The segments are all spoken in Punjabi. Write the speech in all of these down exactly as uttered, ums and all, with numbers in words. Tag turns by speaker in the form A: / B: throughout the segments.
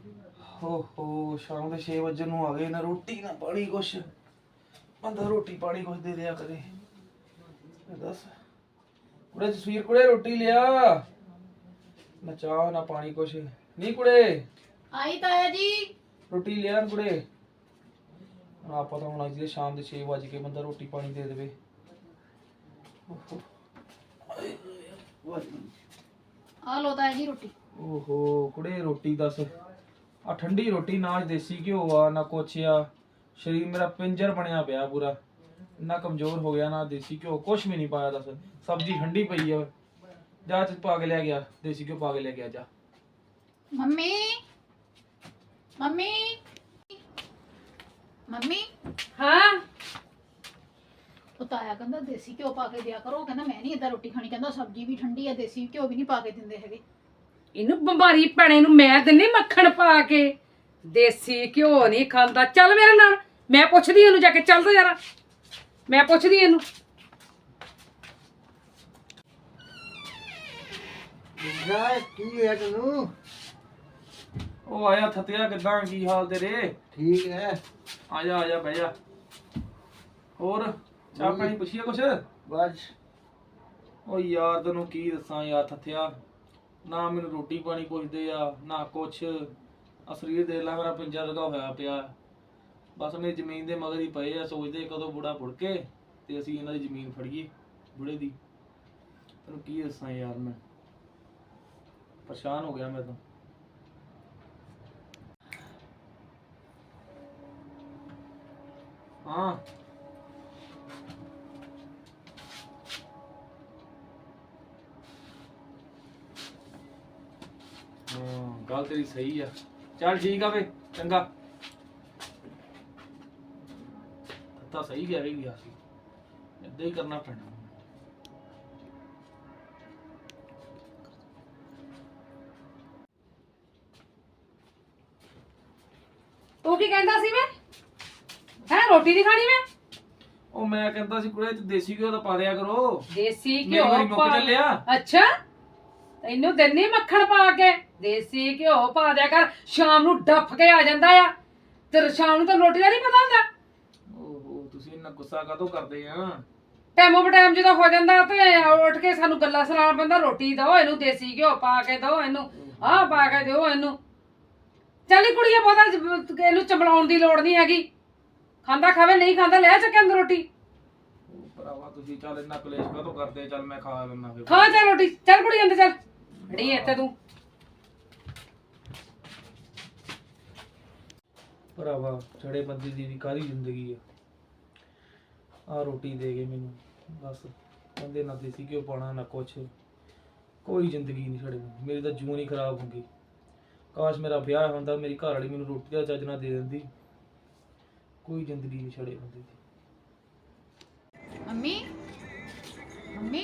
A: ਓਹੋ ਸ਼ਾਮ ਦੇ ਛੇ ਵਜੇ ਨੂੰ ਆ ਗਏ ਨਾ, ਰੋਟੀ ਨਾ ਪਾਣੀ ਕੁਛ ਬੰਦਾ ਰੋਟੀ ਪਾਣੀ ਕੁਛ ਦੇ ਦਿਆ ਕਰੇ। ਦੱਸ ਕੁੜੇ ਤਸਵੀਰ ਕੁੜੇ ਰੋਟੀ ਲਿਆ ਨਾ, ਚਾਹ ਨਾ ਪਾਣੀ ਕੁਛ ਨਹੀਂ। ਕੁੜੇ
B: ਆਈ ਤਾਇਆ ਜੀ
A: ਰੋਟੀ ਲਿਆ ਕੁੜੇ। ਆਪਾਂ ਤਾਂ ਹੁਣ ਅੱਜ ਦੇ ਸ਼ਾਮ ਦੇ ਛੇ ਵਜ ਕੇ ਬੰਦਾ ਰੋਟੀ ਪਾਣੀ ਦੇ ਦੇਵੇ।
B: ਆ ਲੋ ਤਾਇਆ ਜੀ ਰੋਟੀ।
A: ਓਹੋ ਕੁੜੇ ਰੋਟੀ ਦੱਸ, ਆ ਠੰਡੀ ਰੋਟੀ ਨਾ ਦੇਸੀ ਘਿਓ ਆ ਨਾ ਕੁਛ ਆ। ਸਰੀਰ ਮੇਰਾ ਪਿੰਜਰ ਬਣਿਆ ਪਿਆ ਪੂਰਾ, ਇੰਨਾ ਕਮਜ਼ੋਰ ਹੋ ਗਿਆ ਨਾ। ਦੇਸੀ ਘਿਓ ਕੁਛ ਵੀ ਨਹੀਂ ਪਾਇਆ। ਦੱਸ ਸਬਜ਼ੀ ਠੰਡੀ ਪਈ ਆ, ਜਾ ਚ ਪਾ ਕੇ ਲੈ ਗਿਆ ਦੇਸੀ ਘਿਓ ਪਾ ਕੇ ਲੈ ਗਿਆ ਜਾ।
B: ਮੰਮੀ ਮੰਮੀ ਮੰਮੀ
C: ਹਾਂ
B: ਉਹ ਤਾਇਆ ਕਹਿੰਦਾ ਦੇਸੀ ਘਿਓ ਪਾ ਕੇ ਦਿਆ ਕਰੋ। ਕਹਿੰਦਾ ਮੈਂ ਨਹੀਂ ਏਦਾਂ ਰੋਟੀ ਖਾਣੀ। ਕਹਿੰਦਾ ਸਬਜ਼ੀ ਵੀ ਠੰਡੀ ਆ, ਦੇਸੀ ਘਿਓ ਵੀ ਨਹੀਂ ਪਾ ਕੇ ਦਿੰਦੇ ਹੈਗੇ।
C: ਇਹਨੂੰ ਬਿਮਾਰੀ ਭੈਣੇ ਨੂੰ ਮੈਂ ਦਿੰਨੀ ਮੱਖਣ ਪਾ ਕੇ, ਦੇਸੀ ਘਿਓ ਨਹੀਂ ਖਾਂਦਾ। ਚੱਲ ਮੇਰੇ ਨਾਲ, ਮੈਂ ਪੁੱਛਦੀ ਇਹਨੂੰ ਜਾ ਕੇ। ਚੱਲ ਤੋ ਯਾਰਾ, ਮੈਂ ਪੁੱਛਦੀ ਇਹਨੂੰ।
D: ਜਾ ਕੀ ਹੋਇਆ ਤੈਨੂੰ?
A: ਉਹ ਆਇਆ ਥੱਤਿਆ, ਕਿੱਦਾਂ ਕੀ ਹਾਲ ਤੇਰੇ?
D: ਠੀਕ ਹੈ।
A: ਆ ਜਾ ਆ ਜਾ ਬਹਿ ਜਾ। ਹੋਰ ਚਾਹ ਪਾਣੀ ਪੁੱਛੀਆ ਕੁਛ?
D: ਬਸ
A: ਉਹ ਯਾਰ ਤੈਨੂੰ ਕੀ ਦੱਸਾਂ ਯਾਰ ਥੱਥਿਆ, ਨਾ ਮੈਨੂੰ ਰੋਟੀ ਪਾਣੀ ਪੁੱਛਦੇ ਆ ਨਾ ਕੁਛ। ਆ ਸਰੀਰ ਦੇਖ ਲੈ ਮੇਰਾ ਪਿੰਜਾ ਲਗਾ ਹੋਇਆ ਪਿਆ। ਬਸ ਮੇਰੀ ਜ਼ਮੀਨ ਦੇ ਮਗਰ ਹੀ ਪਏ ਆ, ਸੋਚਦੇ ਕਦੋਂ ਬੁੜਾ ਬੁੜ ਕੇ ਤੇ ਅਸੀਂ ਇਹਨਾਂ ਦੀ ਜ਼ਮੀਨ ਫੜੀਏ ਬੁੜੇ ਦੀ। ਤੈਨੂੰ ਕੀ ਦੱਸਾਂ ਯਾਰ, ਮੈਂ ਪਰੇਸ਼ਾਨ ਹੋ ਗਿਆ ਮੈਂ ਤਾਂ। ਹਾਂ ਹਾਂ ਗੱਲ ਤੇਰੀ ਸਹੀ ਆ। ਚੱਲ ਠੀਕ ਆ ਵੇ, ਚੰਗਾ। ਤਾਂ ਸਹੀ ਗਿਆ ਵੀ ਗਿਆ ਸੀ, ਏਦਾਂ ਹੀ ਕਰਨਾ ਪੈਣਾ।
C: ਤੂੰ ਕੀ ਕਹਿੰਦਾ ਸੀ? ਮੈਂ ਹੈ ਰੋਟੀ ਨਹੀਂ ਖਾਣੀ ਮੈਂ?
A: ਉਹ ਮੈਂ ਕਹਿੰਦਾ ਸੀ ਕੁੜੇ ਦੇਸੀ ਘਿਓ ਤਾਂ ਪਾ ਦਿਆ ਕਰੋ।
C: ਦੇਸੀ
A: ਮੇਰੀ ਵਾਰੀ
C: ਘਿਓ
A: ਮੁੱਕ
C: ਪਾ
A: ਚੱਲਿਆ।
C: ਅੱਛਾ ਤੈਨੂੰ ਦਿੰਨੀ ਮੱਖਣ ਪਾ ਕੇ, ਦੇਸੀ ਘਿਓ ਪਾ ਦਿਆ ਕਰ। ਸ਼ਾਮ ਨੂੰ ਡੱਫ ਕੇ ਆ ਜਾਂਦਾ ਆ, ਤੇ ਸ਼ਾਮ ਨੂੰ ਤਾਂ ਰੋਟੀ ਦਾ ਨਹੀਂ ਪਤਾ ਹੁੰਦਾ।
A: ਓਹੋ ਤੁਸੀਂ ਇੰਨਾ ਗੁੱਸਾ ਕਾਹਤੋਂ ਕਰਦੇ ਆ?
C: ਟਾਈਮੋ ਬਟਾਈਮ ਜਦੋਂ ਹੋ ਜਾਂਦਾ ਤੇ ਉੱਠ ਕੇ ਸਾਨੂੰ ਗੱਲਾਂ ਸੁਣਾਉਣ ਪੈਂਦਾ। ਰੋਟੀ ਦਿਓ ਇਹਨੂੰ, ਦੇਸੀ ਘਿਓ ਪਾ ਕੇ ਦਿਓ ਇਹਨੂੰ, ਆਹ ਪਾ ਕੇ ਦਿਓ ਇਹਨੂੰ। ਚੱਲ ਕੁੜੀਏ ਪਤਾ ਇਹਨੂੰ ਚੰਬਲਾਉਣ ਦੀ ਲੋੜ ਨਹੀਂ ਹੈਗੀ। ਖਾਂਦਾ ਖਾਵੇ, ਨਹੀਂ ਖਾਂਦਾ ਲੈ ਚੱਕੇ ਅੰਦਰ ਰੋਟੀ।
A: ਉਹ ਭਰਾਵਾ ਤੁਸੀਂ ਚੱਲ ਇੰਨਾ ਕਲੇਸ਼ ਕਾਹਤੋਂ ਕਰਦੇ? ਚੱਲ ਮੈਂ ਖਾ ਲੈਣਾ ਫਿਰ।
C: ਖਾ ਚੱਲ ਰੋਟੀ, ਚੱਲ ਕੁੜੀ ਅੰਦਰ ਚੱਲ। ਅੜੀ ਇੱਥੇ ਤੂੰ
A: ਭਰਾਵਾ ਛੜੇ ਬੰਦੇ ਦੀ ਵੀ ਕਾਹਦੀ ਜ਼ਿੰਦਗੀ ਆ। ਆ ਰੋਟੀ ਦੇ ਗਏ ਮੈਨੂੰ, ਬਸ ਕਹਿੰਦੇ ਨਾ ਦੇਸੀ ਘਿਓ ਪਾਉਣਾ ਨਾ ਕੁਛ। ਕੋਈ ਜ਼ਿੰਦਗੀ ਨਹੀਂ ਛੜੇ, ਮੇਰੀ ਤਾਂ ਜੂਨ ਹੀ ਖਰਾਬ ਹੋ ਗਈ। ਕਾਸ਼ ਮੇਰਾ ਵਿਆਹ ਹੁੰਦਾ, ਮੇਰੀ ਘਰ ਵਾਲੀ ਮੈਨੂੰ ਰੋਟੀ ਦਾ ਚੱਜ ਨਾ ਦੇ ਦਿੰਦੀ। ਕੋਈ ਜ਼ਿੰਦਗੀ ਨਹੀਂ ਛੜੇ ਬੰਦੇ ਦੀ।
B: ਮੰਮੀ ਮੰਮੀ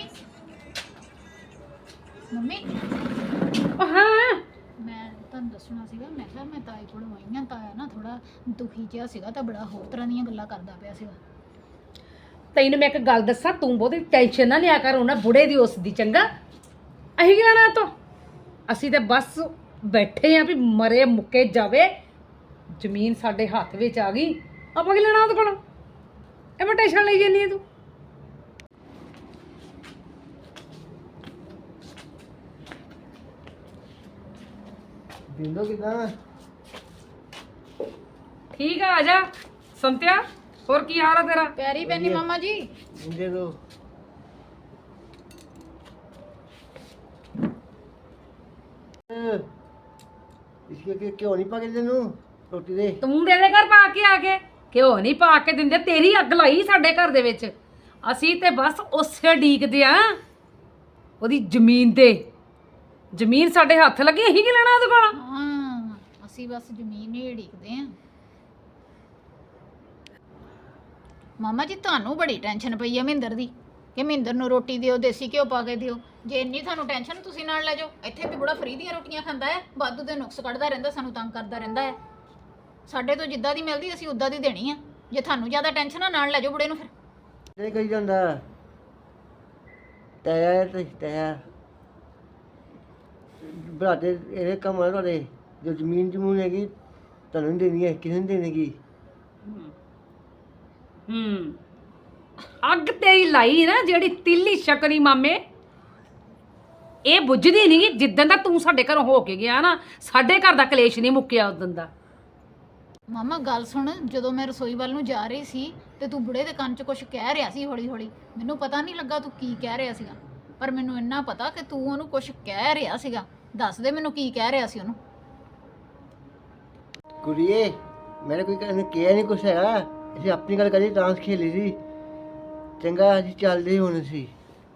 B: ਮੰਮੀ
C: ਉਹ ਹਾਂ
B: ਮੈਂ ਤੁਹਾਨੂੰ ਦੱਸਣਾ ਸੀਗਾ। ਮੈਂ ਕਿਹਾ ਮੈਂ ਤਾਏ ਕੋਲ ਆਈ ਹਾਂ। ਤਾਇਆ ਨਾ ਥੋੜਾ ਦੁਖੀ ਜਿਹਾ ਸੀਗਾ, ਤਾਂ ਬੜਾ ਹੋਰ ਤਰ੍ਹਾਂ ਦੀਆਂ ਗੱਲਾਂ ਕਰਦਾ ਪਿਆ ਸੀਗਾ।
C: ਤੈਨੂੰ ਮੈਂ ਇੱਕ ਗੱਲ ਦੱਸਾਂ, ਤੂੰ ਬਹੁਤੀ ਟੈਨਸ਼ਨ ਨਾ ਲਿਆ ਕਰ ਉਹਨਾਂ ਬੁੜੇ ਦੀ ਉਸ ਦੀ। ਚੰਗਾ ਅਸੀਂ ਕੀ ਲੈਣਾ ਤੋਂ? ਅਸੀਂ ਤੇ ਬਸ ਬੈਠੇ ਆ ਵੀ ਮਰੇ ਮੁੱਕੇ ਜਾਵੇ। ਜ਼ਮੀਨ ਸਾਡੇ ਹੱਥ ਵਿੱਚ ਆ ਗਈ, ਆਪਾਂ ਕੀ ਲੈਣਾ ਉਹਦੇ ਕੋਲੋਂ? ਐਵੇਂ ਟੈਨਸ਼ਨ ਲਈ ਜਾਂਦੀ ਹੈ ਤੂੰ।
D: ਬਿੰਦੋ ਕਿਦਾਂ?
C: ਠੀਕ ਆ, ਆ ਜਾ ਸੰਤਿਆ। ਹੋਰ ਕੀ ਹਾਲ ਆ ਤੇਰਾ?
B: ਪਿਆਰੀ ਪੈਣੀ ਮਾਮਾ ਜੀ।
D: ਦੇ ਦੋ। ਇਸਕੇ ਕਿ ਕਿਉਂ ਨਹੀਂ ਪਾ ਕੇ ਤੈਨੂੰ ਰੋਟੀ ਦੇ?
C: ਤੂੰ ਦੇ ਦੇ ਘਰ ਪਾ ਕੇ ਆ ਕੇ। ਘਿਓ ਨਹੀਂ ਪਾ ਕੇ ਦਿੰਦੇ, ਤੇਰੀ ਅੱਗ ਲਾਈ ਸਾਡੇ ਘਰ ਦੇ ਵਿੱਚ। ਅਸੀਂ ਤੇ ਬਸ ਉਸੇ ਡੀਕਦੇ ਆ ਉਹਦੀ ਜ਼ਮੀਨ ਤੇ। ਜ਼ਮੀਨ ਸਾਡੇ ਹੱਥ ਲੱਗੀ, ਅਸੀਂ ਕੀ ਲੈਣਾ ਉਹਦੇ ਕੋਲ?
B: ਹਾਂ ਅਸੀਂ ਬਸ ਜ਼ਮੀਨ ਹੀ ਢੀਕਦੇ ਆ। ਮਾਮਾ ਜੀ ਤੁਹਾਨੂੰ ਬੜੀ ਟੈਨਸ਼ਨ ਪਈ ਆ ਮਹਿੰਦਰ ਦੀ, ਕਿ ਮਹਿੰਦਰ ਨੂੰ ਰੋਟੀ ਦਿਓ, ਦੇਸੀ ਘਿਓ ਪਾ ਕੇ ਦਿਓ। ਜੇ ਇੰਨੀ ਤੁਹਾਨੂੰ ਟੈਨਸ਼ਨ, ਤੁਸੀਂ ਨਾਲ ਲੈ ਜਾਓ। ਇੱਥੇ ਵੀ ਬੜਾ ਫਰੀ ਦੀਆਂ ਰੋਟੀਆਂ ਖਾਂਦਾ ਹੈ, ਵਾਧੂ ਦੇ ਨੁਕਸ ਕੱਢਦਾ ਰਹਿੰਦਾ, ਸਾਨੂੰ ਤੰਗ ਕਰਦਾ ਰਹਿੰਦਾ ਹੈ। ਸਾਡੇ ਤੋਂ ਜਿੱਦਾਂ ਦੀ ਮਿਲਦੀ ਅਸੀਂ ਉਦਾਂ ਦੀ ਦੇਣੀ ਆ। ਜੇ ਤੁਹਾਨੂੰ ਜ਼ਿਆਦਾ ਟੈਨਸ਼ਨ ਆ, ਨਾਲ ਲੈ ਜਾਓ ਬੁੜੇ ਨੂੰ। ਫਿਰ
D: ਨਹੀਂ ਕਹੀ ਜਾਂਦਾ ਤਾਇਆ ਤੇ ਤਾਇਆ ਬਰਾਦੇ ਇਹਦੇ ਕੰਮ ਆ ਤੁਹਾਡੇ ਜੋ ਜ਼ਮੀਨ ਜਮੂਨ ਹੈਗੀ ਤੁਹਾਨੂੰ ਨਹੀਂ ਦੇਣੀ ਹੈ, ਕਿਸੇ ਨੂੰ ਦੇਣੇਗੀ।
C: ਹੂੰ ਅੱਗ ਤੇਰੀ ਲਾਈ ਨਾ ਜਿਹੜੀ ਤਿੱਲੀ ਸ਼ਕਰੀ ਮਾਮੇ, ਇਹ ਬੁੱਝਦੀ ਨਹੀਂ ਜਿੱਦਣ ਦਾ ਤੂੰ ਸਾਡੇ ਘਰੋਂ ਹੋ ਕੇ ਗਿਆ ਨਾ, ਸਾਡੇ ਘਰ ਦਾ ਕਲੇਸ਼ ਨਹੀਂ ਮੁੱਕਿਆ ਉਦੋਂ ਦਾ।
B: ਮਾਮਾ ਗੱਲ ਸੁਣ, ਜਦੋਂ ਮੈਂ ਰਸੋਈ ਵੱਲ ਨੂੰ ਜਾ ਰਹੀ ਸੀ ਤੇ ਤੂੰ ਬੁੜੇ ਦੇ ਕੰਨ 'ਚ ਕੁਝ ਕਹਿ ਰਿਹਾ ਸੀ ਹੌਲੀ ਹੌਲੀ। ਮੈਨੂੰ ਪਤਾ ਨਹੀਂ ਲੱਗਾ ਤੂੰ ਕੀ ਕਹਿ ਰਿਹਾ ਸੀਗਾ, ਪਰ ਮੈਨੂੰ ਇੰਨਾ ਪਤਾ ਕਿ ਤੂੰ ਉਹਨੂੰ ਕੁਝ ਕਹਿ ਰਿਹਾ ਸੀਗਾ। ਦੱਸ ਦੇ ਮੈਨੂੰ ਕੀ ਕਹਿ ਰਿਹਾ ਸੀ ਉਹਨੂੰ।
D: ਕੁੜੀਏ ਮੇਰੇ ਕੋਈ ਕਹਿੰਦੇ ਕਿਹਾ ਨਹੀਂ ਕੁਛ ਹੈਗਾ, ਅਸੀਂ ਆਪਣੀ ਗੱਲ ਕਰੀ ਡਾਂਸ ਖੇਲੀ ਸੀ। ਚੰਗਾ ਅਸੀਂ ਚੱਲਦੇ ਹੁਣ ਅਸੀਂ।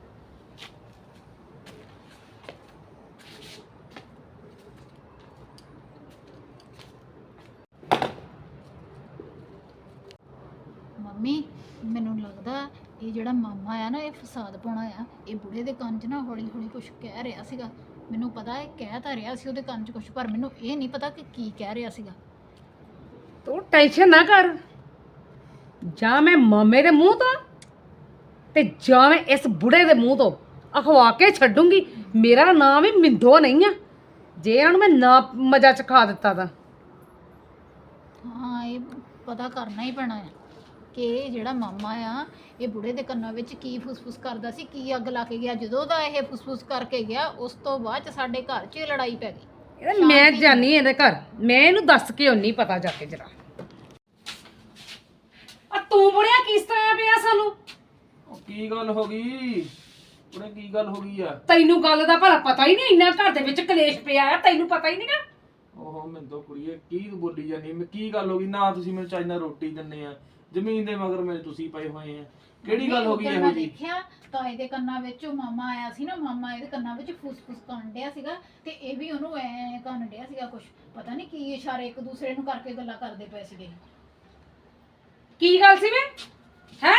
B: ਮੰਮੀ ਮੈਨੂੰ ਲੱਗਦਾ ਇਹ ਜਿਹੜਾ ਮਾਮਾ ਆ ਨਾ, ਇਹ ਫਸਾਦ ਪਾਉਣਾ ਆ। ਇਹ ਬੁੜੇ ਦੇ ਕੰਨ 'ਚ ਨਾ ਹੌਲੀ ਹੌਲੀ ਕੁਝ ਕਹਿ ਰਿਹਾ ਸੀਗਾ। ਮੈਨੂੰ ਪਤਾ ਹੈ ਕਹਿ ਤਾਂ ਰਿਹਾ ਸੀ ਉਹਦੇ ਕੰਨ 'ਚ ਕੁਝ, ਪਰ ਮੈਨੂੰ ਇਹ ਨਹੀਂ ਪਤਾ ਕਿ ਕੀ ਕਹਿ ਰਿਹਾ ਸੀਗਾ।
C: ਤੂੰ ਟੈਨਸ਼ਨ ਨਾ ਕਰ, ਜਾਂ ਮੈਂ ਮਾਮੇ ਦੇ ਮੂੰਹ ਤੋਂ ਤੇ ਜਾਂ ਮੈਂ ਇਸ ਬੁੜੇ ਦੇ ਮੂੰਹ ਤੋਂ ਅਖਵਾ ਕੇ ਛੱਡੂੰਗੀ। ਮੇਰਾ ਨਾਮ ਵੀ ਮਿੰਦੋ ਨਹੀਂ ਆ, ਜੇ ਇਹਨਾਂ ਨੂੰ ਮੈਂ ਨਾ ਮਜ਼ਾ ਚਖਾ ਦਿੱਤਾ ਤਾਂ।
B: ਹਾਂ ਇਹ ਪਤਾ ਕਰਨਾ ਹੀ ਪੈਣਾ ਹੈ ਕਿ ਇਹ ਜਿਹੜਾ ਮਾਮਾ ਆ ਇਹ ਬੁੜੇ ਦੇ ਕੰਨਾਂ ਵਿੱਚ ਕੀ ਫੁਸਫੁਸ ਕਰਦਾ ਸੀ, ਕੀ ਅੱਗ ਲਾ ਕੇ ਗਿਆ। ਜਦੋਂ ਦਾ ਇਹ ਫੁਸਫੁਸ ਕਰਕੇ ਗਿਆ ਉਸ ਤੋਂ ਬਾਅਦ ਚ ਸਾਡੇ ਘਰ 'ਚ ਲੜਾਈ ਪੈ ਗਈ।
C: ਇਹਦਾ ਮੈਂ ਜਾਨੀ ਇਹਦੇ ਘਰ, ਮੈਂ ਇਹਨੂੰ ਦੱਸ ਕੇ ਹੁੰਨੀ ਪਤਾ ਜਾ ਕੇ ਜਰਾ। ਆ ਤੂੰ ਬੁੜਿਆ ਕਿਸ ਤਰ੍ਹਾਂ ਪਿਆ ਸਾਨੂੰ?
A: ਉਹ ਕੀ ਗੱਲ ਹੋ ਗਈ ਉਹਨੇ, ਕੀ ਗੱਲ ਹੋ ਗਈ ਆ?
C: ਤੈਨੂੰ ਗੱਲ ਦਾ ਭਲਾ ਪਤਾ ਹੀ ਨਹੀਂ, ਇੰਨਾ ਘਰ ਦੇ ਵਿੱਚ ਕਲੇਸ਼ ਪਿਆ ਆ, ਤੈਨੂੰ ਪਤਾ ਹੀ ਨਹੀਂਗਾ।
A: ਓਹੋ ਮਿੰਦੋ ਕੁੜੀਏ ਕੀ ਤੂੰ ਬੋਲੀ ਜਾਂਦੀ? ਮੈਂ ਕੀ ਗੱਲ ਹੋ ਗਈ? ਨਾ ਤੁਸੀਂ ਮੈਨੂੰ ਚੱਜ ਨਾਲ ਰੋਟੀ ਦਿੰਦੇ ਆ, ਜ਼ਮੀਨ ਦੇ ਮਗਰ ਮੇਰੇ ਤੁਸੀਂ ਪਏ ਹੋਏ ਆ। ਕਿਹੜੀ ਗੱਲ ਹੋ ਗਈ ਇਹੋ
B: ਮੈਂ
A: ਜੀ?
B: ਦੇਖਿਆ ਤਾਂ ਇਹਦੇ ਕੰਨਾਂ ਵਿੱਚ ਉਹ ਮਾਮਾ ਆਇਆ ਸੀ ਨਾ, ਮਾਮਾ ਇਹਦੇ ਕੰਨਾਂ ਵਿੱਚ ਫੁਸਫੁਸ ਕਰਨ ਡਿਆ ਸੀਗਾ ਤੇ ਇਹ ਵੀ ਉਹਨੂੰ ਐ ਕਰਨ ਡਿਆ ਸੀਗਾ। ਕੁਝ ਪਤਾ ਨਹੀਂ ਕੀ ਇਸ਼ਾਰੇ ਇੱਕ ਦੂਸਰੇ ਨੂੰ ਕਰਕੇ ਗੱਲਾਂ ਕਰਦੇ ਪਏ ਸੀਗੇ।
C: ਕੀ ਗੱਲ ਸੀ ਵੇ ਹੈ?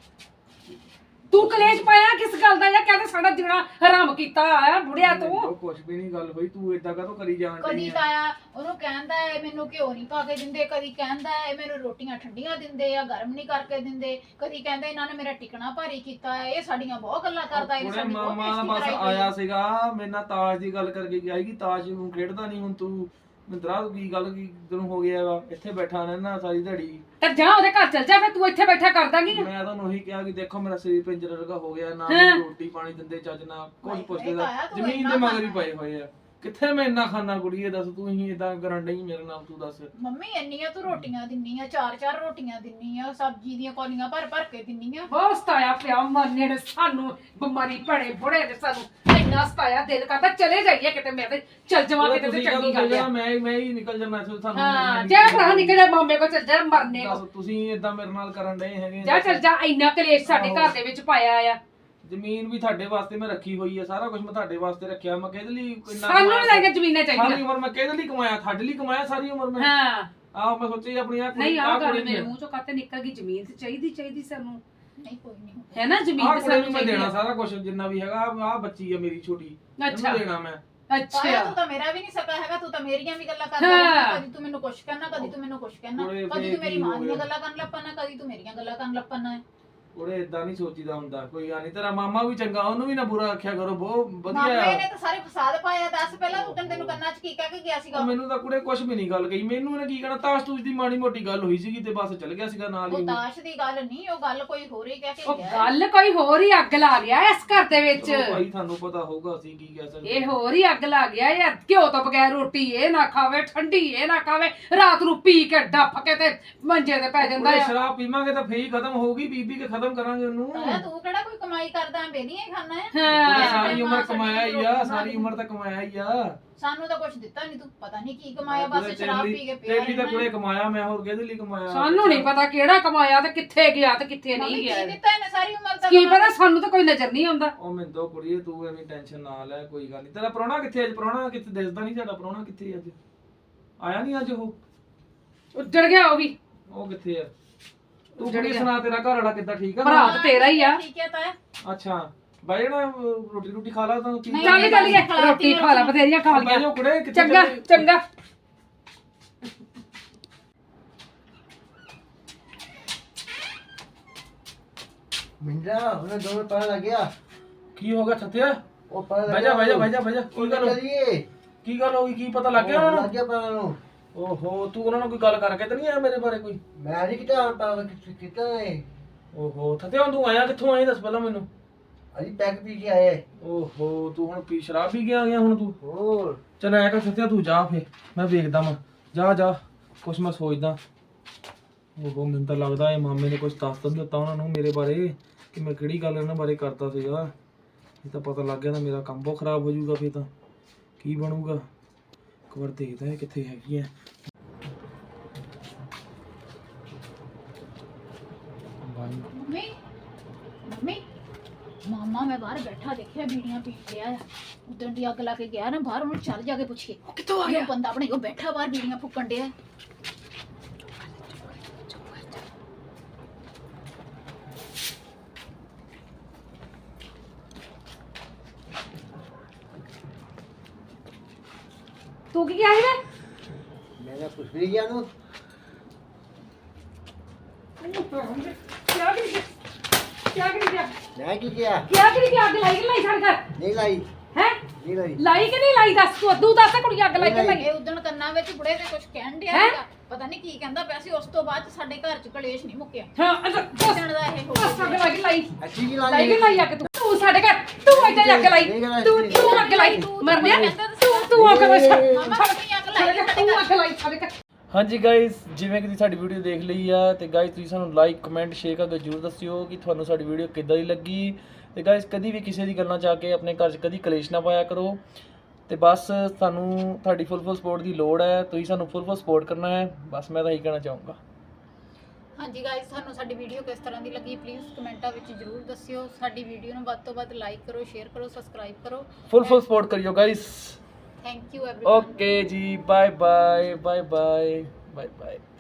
C: ਤੂੰ ਕਲੇਸ਼ ਪਾਇਆ ਕਿਸ ਗੱਲ ਦਾ? ਜਾਂ ਕਹਿੰਦੇ ਸਾਡਾ ਜਿਹੜਾ ਹਰਾਮ ਕੀਤਾ ਆ ਬੁੜਿਆ ਤੂੰ।
A: ਕੁਝ ਵੀ ਨਹੀਂ ਗੱਲ ਹੋਈ, ਤੂੰ ਏਦਾਂ ਕਾਹਤੋਂ ਕਰੀ ਜਾਣ
B: ਕਦੀ
A: ਡਈ ਆ?
B: ਤਾਇਆ ਉਹਨੂੰ ਕਹਿੰਦਾ ਹੈ ਮੈਨੂੰ ਘਿਓ ਨਹੀਂ ਪਾ ਕੇ ਦਿੰਦੇ, ਕਦੀ ਕਹਿੰਦਾ ਹੈ ਮੈਨੂੰ ਰੋਟੀਆਂ ਠੰਡੀਆਂ ਦਿੰਦੇ ਆ, ਗਰਮ ਨਹੀਂ ਕਰਕੇ ਦਿੰਦੇ, ਕਦੀ ਕਹਿੰਦੇ ਇਹਨਾਂ ਨੇ ਮੇਰਾ ਟਿਕਣਾ ਭਾਰੀ ਕੀਤਾ ਹੈ। ਇਹ ਸਾਡੀਆਂ ਬਹੁਤ ਗੱਲਾਂ ਕਰਦਾ, ਇਹ
A: ਉਹਨੇ
B: ਸਾਡੀ ਬਹੁਤ
A: ਮਾਮਾ
B: ਬੇਇੱਜ਼ਤੀ
A: ਬਸ
B: ਕਰਾਈ ਹੋਈ
A: ਆਇਆ
B: ਹੈ।
A: ਸੀਗਾ ਮੇਰੇ ਨਾਲ ਤਾਸ਼ ਦੀ ਗੱਲ ਕਰਕੇ ਗਿਆ ਸੀ। ਤਾਸ਼ ਨੂੰ ਖੇਡਦਾ ਨਹੀਂ ਹੁਣ ਤੂੰ? ਮਿੰਦਰਾ ਕੀ ਗੱਲ ਕੀ ਤੈਨੂੰ ਹੋ ਗਿਆ ਵਾ? ਇੱਥੇ ਬੈਠਾ ਰਹਿਣਾ ਸਾਰੀ ਦਿਹਾੜੀ।
C: ਤੇ ਜਾ ਉਹਦੇ ਘਰ ਚਲ ਜਾ, ਫਿਰ ਤੂੰ ਇੱਥੇ ਬੈਠਾ ਕਰਦਾ ਕੀ?
A: ਮੈਂ ਤੁਹਾਨੂੰ ਉਹੀ ਕਿਹਾ ਕਿ ਦੇਖੋ ਮੇਰਾ ਸਰੀਰ ਪਿੰਜਰੇ ਵਰਗਾ ਹੋ ਗਿਆ, ਨਾ ਮੈਨੂੰ ਰੋਟੀ ਪਾਣੀ ਦਿੰਦੇ ਚੱਜ ਨਾਲ, ਕੁਝ ਪੁੱਛਦੇ ਦਾ ਜ਼ਮੀਨ ਦੇ ਮਗਰ ਹੀ ਪਏ ਹੋਏ ਆ। ਕਿੱਥੇ ਮੈਂ ਇੰਨਾ ਖਾਣਾ ਕੁੜੀਏ? ਦੱਸ ਤੂੰ ਹੀ ਇਦਾਂ ਕਰਨ ਡਈ ਮੇਰੇ ਨਾਲ, ਤੂੰ ਦੱਸ।
B: ਮੰਮੀ ਇੰਨੀਆਂ ਤੂੰ ਰੋਟੀਆਂ ਦਿੰਨੀ ਆ, ਚਾਰ ਚਾਰ ਰੋਟੀਆਂ ਦਿੰਨੀ ਆ, ਸਬਜ਼ੀ ਦੀਆਂ ਕੌਲੀਆਂ ਭਰ ਭਰ ਕੇ ਦਿੰਨੀ ਆ।
C: ਬਹੁਤ ਸਤਾਇਆ ਪਿਆ ਮਰਨੇ ਨੇ ਸਾਨੂੰ, ਬਿਮਾਰੀ ਭੜੇ ਬੁੜੇ ਨੇ ਸਾਨੂੰ ਇੰਨਾ ਸਤਾਇਆ, ਦਿਲ ਕਰਦਾ ਚਲੇ ਜਾਈਏ ਕਿਤੇ, ਮੈਂ ਤੇ ਚਲ ਜਾਵਾਂ ਕਿਤੇ ਤੇ ਚੰਗੀ ਗੱਲ ਆ।
A: ਮੈਂ ਮੈਂ ਹੀ ਨਿਕਲ ਜਾਣਾ ਇੱਥੋਂ, ਤੁਹਾਨੂੰ
C: ਹਾਂ ਜਾ ਭਰਾ ਨਿਕਲ ਜਾ, ਮਾਮੇ ਕੋ ਚਲ ਜਾ ਮਰਨੇ
A: ਦੱਸ
C: ਕੋ।
A: ਤੁਸੀਂ ਇਦਾਂ ਮੇਰੇ ਨਾਲ ਕਰਨ ਡਏ ਹੈਗੇ?
C: ਜਾ ਚਲ ਜਾ, ਇੰਨਾ ਕਲੇਸ਼ ਸਾਡੇ ਘਰ ਦੇ ਵਿੱਚ ਪਾਇਆ ਆ।
A: ਜ਼ਮੀਨ ਵੀ ਤੁਹਾਡੇ ਵਾਸਤੇ ਮੈਂ ਰੱਖੀ ਹੋਈ ਹੈ, ਸਾਰਾ ਕੁਝ ਮੈਂ ਤੁਹਾਡੇ ਵਾਸਤੇ ਰੱਖਿਆ। ਮੈਂ ਕਿਹਦੇ ਲਈ ਇੰਨਾ
C: ਸਾਨੂੰ ਨਹੀਂ ਲੱਗੇ ਜ਼ਮੀਨਾਂ
A: ਸਾਰੀ
C: ਚਾਹੀਦੀਆਂ।
A: ਉਮਰ ਮੈਂ ਕਿਹਦੇ ਲਈ ਕਮਾਇਆ? ਤੁਹਾਡੇ ਲਈ ਕਮਾਇਆ ਸਾਰੀ ਉਮਰ ਮੈਂ।
C: ਹਾਂ
A: ਆਹ ਮੈਂ ਸੋਚੀ ਆਪਣੀ ਆ
C: ਨਹੀਂ ਆਹ ਗੱਲ ਮੇਰੇ ਮੂੰਹ ਚੋਂ ਕਾਤੇ ਨਿਕਲ ਗਈ, ਜ਼ਮੀਨ ਤੇ ਚਾਹੀਦੀ ਚਾਹੀਦੀ ਸਾਨੂੰ,
B: ਨਹੀਂ ਕੋਈ ਨਹੀਂ
C: ਹੈ ਨਾ? ਜ਼ਮੀਨ
A: ਆਹ
C: ਤੇ
A: ਕੁੜੀ
C: ਸਾਨੂੰ
A: ਨੂੰ ਮੈਂ
C: ਚਾਹੀਦੀ
A: ਦੇਣਾ
C: ਆ।
A: ਸਾਰਾ ਕੁਝ ਜਿੰਨਾ ਵੀ ਹੈਗਾ। ਆਹ ਬੱਚੀ ਆ ਮੇਰੀ ਛੋਟੀ,
C: ਅੱਛਾ।
A: ਇਹਨੂੰ ਦੇਣਾ ਮੈਂ।
B: ਤਾਇਆ
C: ਅੱਛਾ
B: ਤੂੰ ਤਾਂ ਮੇਰਾ ਵੀ ਨਹੀਂ ਸਕਾ ਹੈਗਾ, ਤੂੰ ਤਾਂ ਮੇਰੀਆਂ ਵੀ ਗੱਲਾਂ ਕਰਦਾ
C: ਹਾਂ।
B: ਰਹਿੰਦਾ। ਕਦੀ ਤੂੰ ਮੈਨੂੰ ਕੁਛ ਕਹਿਣਾ, ਕਦੀ ਤੂੰ ਮੈਨੂੰ ਕੁਛ ਕਹਿਣਾ,
A: ਉਹਦੇ
B: ਕਦੀ ਤੂੰ ਮੇਰੀ
A: ਕੀ
B: ਮਾਂ
A: ਹੋ
B: ਦੀਆਂ
A: ਗਿਆ?
B: ਗੱਲਾਂ ਕਰਨ ਲੱਪਣਾ, ਕਦੀ ਤੂੰ ਮੇਰੀਆਂ ਗੱਲਾਂ ਕਰਨ ਲੱਪਣਾ ਹੈ।
A: ਉਹਦੇ ਇਦਾਂ ਨਹੀਂ ਸੋਚੀਦਾ ਹੁੰਦਾ, ਕੋਈ ਗੱਲ ਨਹੀਂ। ਤੇਰਾ ਮਾਮਾ ਵੀ ਚੰਗਾ, ਉਹਨੂੰ ਵੀ ਨਾ ਬੁਰਾ ਆਖਿਆ ਕਰੋ, ਬਹੁਤ ਵਧੀਆ
B: ਮਾਮੇ
A: ਆ।
B: ਨੇ ਤਾਂ ਸਾਰੇ ਫਸਾਦ ਪਾਇਆ। ਦੱਸ ਪਹਿਲਾਂ ਤੂੰ ਤੈਨੂੰ ਕੰਨਾਂ 'ਚ ਕੀ ਕਹਿ ਕੇ ਗਿਆ ਸੀਗਾ?
A: ਉਹ ਮੈਨੂੰ ਤਾਂ ਕੁੜੇ ਕੁਝ ਵੀ ਨਹੀਂ ਗੱਲ ਕਹੀ, ਮੈਨੂੰ ਇਹਨੇ ਕੀ ਕਹਿਣਾ? ਤਾਸ਼ ਤੂਸ਼ ਦੀ ਮਾੜੀ ਮੋਟੀ ਗੱਲ ਹੋਈ ਸੀਗੀ ਤੇ ਬਸ ਚੱਲ ਗਿਆ ਸੀਗਾ ਨਾਲ ਹੀ।
B: ਉਹ ਤਾਸ਼ ਦੀ ਗੱਲ ਨਹੀਂ, ਉਹ ਗੱਲ ਕੋਈ ਹੋਰ ਹੀ ਕਹਿ ਕੇ
C: ਉਹ
B: ਗਿਆ।
C: ਗੱਲ ਕੋਈ ਹੋਰ ਹੀ ਅੱਗ ਲਾ ਗਿਆ ਇਸ ਘਰ ਦੇ ਵਿੱਚ।
A: ਚਲੋ ਭਾਈ ਤੁਹਾਨੂੰ ਪਤਾ ਹੋਊਗਾ ਅਸੀਂ ਕੀ ਕਹਿ ਸਕਦੇ।
C: ਇਹ ਹੋਰ ਹੀ ਅੱਗ ਲਾ ਗਿਆ ਯਾਰ। ਘਿਓ ਤੋਂ ਬਗੈਰ ਰੋਟੀ ਇਹ ਨਾ ਖਾਵੇ, ਠੰਡੀ ਇਹ ਨਾ ਖਾਵੇ, ਰਾਤ ਨੂੰ ਪੀ ਕੇ ਡੱਫ ਕੇ ਤੇ ਮੰਜੇ ਤੇ ਪੈ ਜਾਂਦਾ
A: ਉਹਦੇ
C: ਆ।
A: ਸ਼ਰਾਬ ਪੀਵਾਂਗੇ ਤਾਂ ਫੇਰ ਹੀ ਖਤਮ ਹੋਊਗੀ, ਪੀ ਪੀ ਕੇ ਖਤਮ ਕਰਾਂਗੇ ਉਹਨੂੰ।
B: ਤਾਇਆ ਤੂੰ ਕਿਹੜਾ ਕੋਈ ਕਮਾਈ ਕਰਦਾ, ਬੇਲੀਆਂ ਹੀ ਖਾਣਾ ਹੈ।
A: ਉਹਨੇ
C: ਹਾਂ
A: ਸਾਰੀ ਉਮਰ ਕਮਾਇਆ ਹੀ ਆ, ਸਾਰੀ ਉਮਰ ਤਾਂ ਕਮਾਇਆ ਹੀ ਆ।
B: ਸਾਨੂੰ ਤਾਂ ਕੁਝ ਦਿੱਤਾ ਨਹੀਂ, ਤੂੰ ਪਤਾ ਨਹੀਂ ਕੀ ਕਮਾਇਆ, ਬਸ ਸ਼ਰਾਬ ਪੀ ਕੇ ਪਿਆ
A: ਤੇਰੀ ਤਾਂ ਕੁੜੇ ਕਮਾਇਆ, ਮੈਂ ਹੋਰ ਕਿਹਦੇ ਲਈ ਕਮਾਇਆ?
C: ਸਾਨੂੰ ਨਹੀਂ ਪਤਾ ਕਿਹੜਾ ਕਮਾਇਆ ਤੇ ਕਿੱਥੇ ਗਿਆ ਤੇ ਕਿੱਥੇ ਨਹੀਂ ਗਿਆ।
B: ਕੀ ਦਿੱਤਾ ਇਹਨੇ ਸਾਰੀ ਉਮਰ ਦਾ?
C: ਕੀ ਪਤਾ, ਸਾਨੂੰ ਤਾਂ ਕੋਈ ਨਜ਼ਰ ਨਹੀਂ ਆਉਂਦਾ।
A: ਉਹ ਮਿੰਦੋ ਕੁੜੀਏ ਤੂੰ ਐਵੇਂ ਟੈਨਸ਼ਨ ਨਾ ਲੈ, ਕੋਈ ਗੱਲ ਨਹੀਂ। ਤੇਰਾ ਪ੍ਰਾਹੁਣਾ ਕਿੱਥੇ ਅੱਜ? ਪ੍ਰਾਹੁਣਾ ਕਿੱਥੇ ਦਿਸਦਾ ਨਹੀਂ ਸਾਡਾ, ਪ੍ਰਾਹੁਣਾ ਕਿੱਥੇ ਅੱਜ? ਆਇਆ ਨਹੀਂ ਅੱਜ ਉਹ?
C: ਉੱਜੜ ਗਿਆ ਉਹ ਵੀ।
A: ਉਹ ਕਿੱਥੇ ਆ? ਤੂੰ ਕੁੜੀ ਸੁਣਾ, ਤੇਰਾ ਘਰ ਵਾਲਾ ਕਿੱਦਾਂ? ਠੀਕ ਆ?
C: ਭਰਾ ਤਾਂ ਤੇਰਾ ਹੀ ਆ।
B: ਠੀਕ ਹੈ ਤਾਇਆ।
A: ਅੱਛਾ ਬਾਈ ਨਾ ਰੋਟੀ ਰੋਟੀ ਖਾ ਲਾ ਤਾਂ ਕੀ
B: ਨਹੀਂ,
C: ਚੱਲ ਚੱਲ ਗਿਆ, ਰੋਟੀ ਖਾ ਲਾ, ਬਥੇਰੀਆਂ ਖਾ
A: ਬਾਈ
C: ਲਈਆਂ।
A: ਜੋ ਕੁੜੇ ਕਿੱਥੇ
C: ਚੰਗਾ
A: ਚੱਲੇ?
C: ਚੰਗਾ।
D: ਮਿੰਦਰਾ ਉਹਨੇ ਦੋਵੇਂ ਪਤਾ ਲੱਗ ਗਿਆ।
A: ਕੀ ਹੋ ਗਿਆ ਥੱਥਿਆ?
D: ਉਹ ਪਤਾ
A: ਬਹਿ ਜਾ ਬਹਿ ਜਾ ਬਹਿ ਜਾ ਬਹਿ ਜਾ। ਕੀ ਗੱਲ ਹੋ-
D: ਚੱਲੀਏ
A: ਕੀ ਗੱਲ ਹੋ ਗਈ? ਕੀ ਪਤਾ ਲੱਗ ਗਿਆ ਉਹਨਾਂ
D: ਲੱਗ
A: ਨੂੰ?
D: ਗਿਆ ਪਤਾ ਨੂੰ।
A: ਓਹੋ ਤੂੰ ਉਹਨਾਂ ਨਾਲ ਕੋਈ ਗੱਲ ਕਰਕੇ ਤਾਂ ਨਹੀਂ ਆਇਆ ਮੇਰੇ ਬਾਰੇ ਕੋਈ?
D: ਮੈਂ ਨਹੀਂ ਕਿਤਾ ਪਤਾ ਕੀਤਾ ਏ।
A: ਓਹੋ ਥੱਤੇ ਹੁਣ ਤੂੰ ਆਇਆ ਕਿੱਥੋਂ? ਆਇਆ ਦੱਸ ਪਹਿਲਾਂ ਮੈਨੂੰ।
D: ਅਜੀ ਪੈਕ ਪੀ ਕੇ ਆਏ।
A: ਓਹੋ ਤੂੰ ਹੁਣ ਪੀ ਸ਼ਰਾਬ ਪੀ ਕੇ ਆ ਗਿਆ ਹੁਣ ਤੂੰ?
D: ਹੋਰ
A: ਚੱਲ ਐ ਕਰ ਸੱਤਿਆ ਤੂੰ ਜਾ ਫੇ, ਮੈਂ ਵੇਖਦਾ ਮੈਂ। ਜਾ ਜਾ ਕੁਛ ਮੈਂ ਸੋਚਦਾ। ਓਹੋ ਮੈਨੂੰ ਤਾਂ ਲੱਗਦਾ ਇਹ ਮਾਮੇ ਨੇ ਕੁਛ ਦੱਸ ਤਾਂ ਨੀ ਦਿੱਤਾ ਉਹਨਾਂ ਨੂੰ ਮੇਰੇ ਬਾਰੇ ਕਿ ਮੈਂ ਕਿਹੜੀ ਗੱਲ ਇਹਨਾਂ ਬਾਰੇ ਕਰਦਾ ਸੀਗਾ। ਇਹ ਤਾਂ ਪਤਾ ਲੱਗ ਗਿਆ ਤਾਂ ਮੇਰਾ ਕੰਮ ਬਹੁਤ ਖਰਾਬ ਹੋ ਜਾਊਗਾ ਫੇ। ਤਾਂ ਕੀ ਬਣੂਗਾ? ਇੱਕ ਵਾਰ ਦੇਖਦਾ ਇਹ ਕਿੱਥੇ ਹੈਗੀ ਐ।
B: ਮੰਮੀ ਮੰਮੀ ਮਾਮਾ ਮੈਂ ਬਾਹਰ ਬੈਠਾ ਦੇਖਿਆ ਬੀੜੀਆਂ ਪੀ ਰਿਹਾ ਆ। ਉਦੋਂ ਦੀ ਅੱਗ ਲਾ ਕੇ ਗਿਆ ਨਾ ਬਾਹਰ, ਉਹਨੂੰ ਚੱਲ ਜਾ ਕੇ ਪੁੱਛੀਏ
C: ਕਿੱਥੋਂ ਆ
B: ਉਹ ਬੰਦਾ ਆਪਣੇ ਕੋਲ ਬੈਠਾ ਬਾਹਰ ਬੀੜੀਆਂ ਫੁੱਕਣ ਡਿਆ।
C: ਤੂੰ ਕੀ ਕਿਹਾ ਸੀ ਵੇ?
D: ਮੈਂ ਨਾ ਕੁਛ ਨਹੀਂ ਗਿਆ ਨੂੰ।
C: ਕਿਆ ਕਰੀ ਗਿਆ? ਕਿਆ ਕਰੀ ਗਿਆ?
D: ਮੈਂ ਕੀ ਕਿਹਾ?
C: ਕਿਆ ਕਰੀ ਗਿਆ? ਅੱਗ ਲਾਈ ਕਿ ਲਾਈ ਸਾਡੇ ਘਰ?
D: ਨਹੀਂ ਲਾਈ
C: ਹੈ
D: ਨਹੀਂ ਲਾਈ।
C: ਲਾਈ ਕਿ ਨਹੀਂ ਲਾਈ ਦੱਸ ਤੂੰ ਤੂੰ ਦੱਸ ਕੁੜੀ ਅੱਗ ਲਾਈ ਕਿ ਲਾਈ?
B: ਇਹ ਉਦੋਂ ਕੰਨਾਂ ਵਿੱਚ ਬੁੜੇ ਦੇ ਕੁਝ ਕਹਿਣ ਡਿਆ
C: ਹੈਂ?
B: ਸੀਗਾ, ਪਤਾ ਨਹੀਂ ਕੀ ਕਹਿੰਦਾ ਪਿਆ ਸੀ। ਉਸ ਤੋਂ ਬਾਅਦ 'ਚ ਸਾਡੇ ਘਰ 'ਚ ਕਲੇਸ਼ ਨਹੀਂ ਮੁੱਕਿਆ।
C: ਹਾਂ ਅੱਛਾ ਦੱਸ
B: ਕਿੱਦਣ ਦਾ ਇਹ ਹੋ
C: ਦੱਸ ਅੱਗ
B: ਗਿਆ?
C: ਲਾਈ ਕਿ ਲਾਈ?
D: ਅੱਛੀ ਕੀ
C: ਲਾਈ
D: ਲਾਈ?
C: ਕਿ ਲਾਈ ਅੱਗ ਤੂੰ? ਤੂੰ ਸਾਡੇ ਘਰ ਤੂੰ ਇੱਥੇ ਅੱਗ ਲਾਈ। ਤੂੰ ਤੂੰ ਅੱਗ ਲਾਈ ਮਰਨਿਆ ਤੂੰ ਤੂੰ ਅੱਗ ਲਾਈ।
B: ਮਾਮਾ ਤੁਸੀਂ ਅੱਗ ਲਾਈ ਸਾਡੇ
C: ਤੂੰ
B: ਘਰ।
C: ਅੱਗ ਲਾਈ ਸਾਡੇ ਘਰ।
A: ਹਾਂਜੀ ਗਾਇਸ, ਜਿਵੇਂ ਕਿ ਤੁਸੀਂ ਸਾਡੀ ਵੀਡੀਓ ਦੇਖ ਲਈ ਆ ਤੇ ਗਾਇਸ ਤੁਸੀਂ ਸਾਨੂੰ ਲਾਈਕ ਕਮੈਂਟ ਸ਼ੇਅਰ ਕਰਕੇ ਜਰੂਰ ਦੱਸਿਓ ਕਿ ਤੁਹਾਨੂੰ ਸਾਡੀ ਵੀਡੀਓ ਕਿੱਦਾਂ ਦੀ ਲੱਗੀ। ਤੇ ਗਾਇਸ ਕਦੀ ਵੀ ਕਿਸੇ ਦੀ ਗੱਲਾਂ 'ਚ ਆ ਕੇ ਆਪਣੇ ਘਰ 'ਚ ਕਦੀ ਕਲੇਸ਼ ਨਾ ਪਾਇਆ ਕਰੋ। ਤੇ ਬਸ ਸਾਨੂੰ ਤੁਹਾਡੀ ਫੁੱਲ ਫੁੱਲ ਸਪੋਰਟ ਦੀ ਲੋੜ ਹੈ, ਤੁਸੀਂ ਸਾਨੂੰ ਫੁੱਲ ਫੁੱਲ ਸਪੋਰਟ ਕਰਨਾ ਹੈ। ਬਸ ਮੈਂ ਤਾਂ ਇਹੀ ਕਹਿਣਾ ਚਾਹੂੰਗਾ।
B: ਹਾਂਜੀ ਗਾਇਸ, ਤੁਹਾਨੂੰ ਸਾਡੀ ਵੀਡੀਓ ਕਿਸ ਤਰ੍ਹਾਂ ਦੀ ਲੱਗੀ ਪਲੀਜ਼ ਕਮੈਂਟਾਂ ਵਿੱਚ ਜਰੂਰ ਦੱਸਿਓ। ਸਾਡੀ ਵੀਡੀਓ ਨੂੰ ਵੱਧ ਤੋਂ ਵੱਧ ਲਾਈਕ ਕਰੋ, ਸ਼ੇਅਰ ਕਰੋ, ਸਬਸਕ੍ਰਾਈਬ ਕਰੋ।
A: ਫੁੱਲ ਫੁੱਲ ਸਪੋਰਟ ਕਰਿਓ guys.
B: Thank you everyone.
A: Okay ji, bye bye bye bye bye bye.